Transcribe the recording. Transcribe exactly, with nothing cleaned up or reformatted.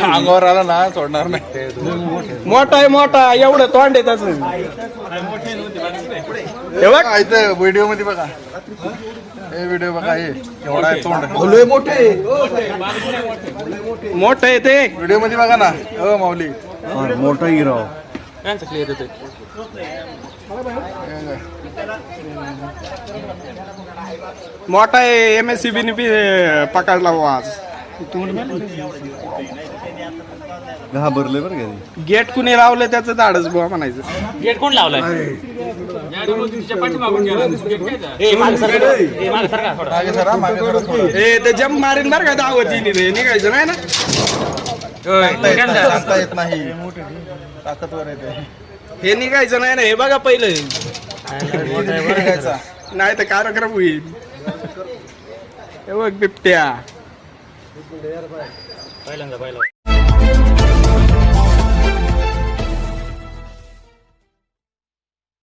अंगावर आला ना सोडणार नाही. मोठा आहे मोठा एवढं तोंड आहे त्याच. हे बघ इथं व्हिडिओ मध्ये बघा, हे व्हिडिओ बघा, हे एवढा आहे तोंड. मोठे मोठं आहे ते व्हिडिओ मध्ये बघा ना. हो माऊली मोठा हिराव मोठा आहे. M S C B B पकडला बुवा आज. घाबरले बरं का. गेट कुणी लावलं त्याचं धाडच बुवा म्हणायचं. गेट कोण लावलाय? मागे सरा, मागे सरा थोडं. ए ते जम्प मारीन बरं का दावतीने ते निघायचं नाही ना. सांगता येत नाही, ताकदवर येते. हे निघायचं नाही ना. हे बघा पहिलं निघायचा. नाही तर कार्यक्रम होईल. हे बघ बिबट्या पहिल्यांदा पहिला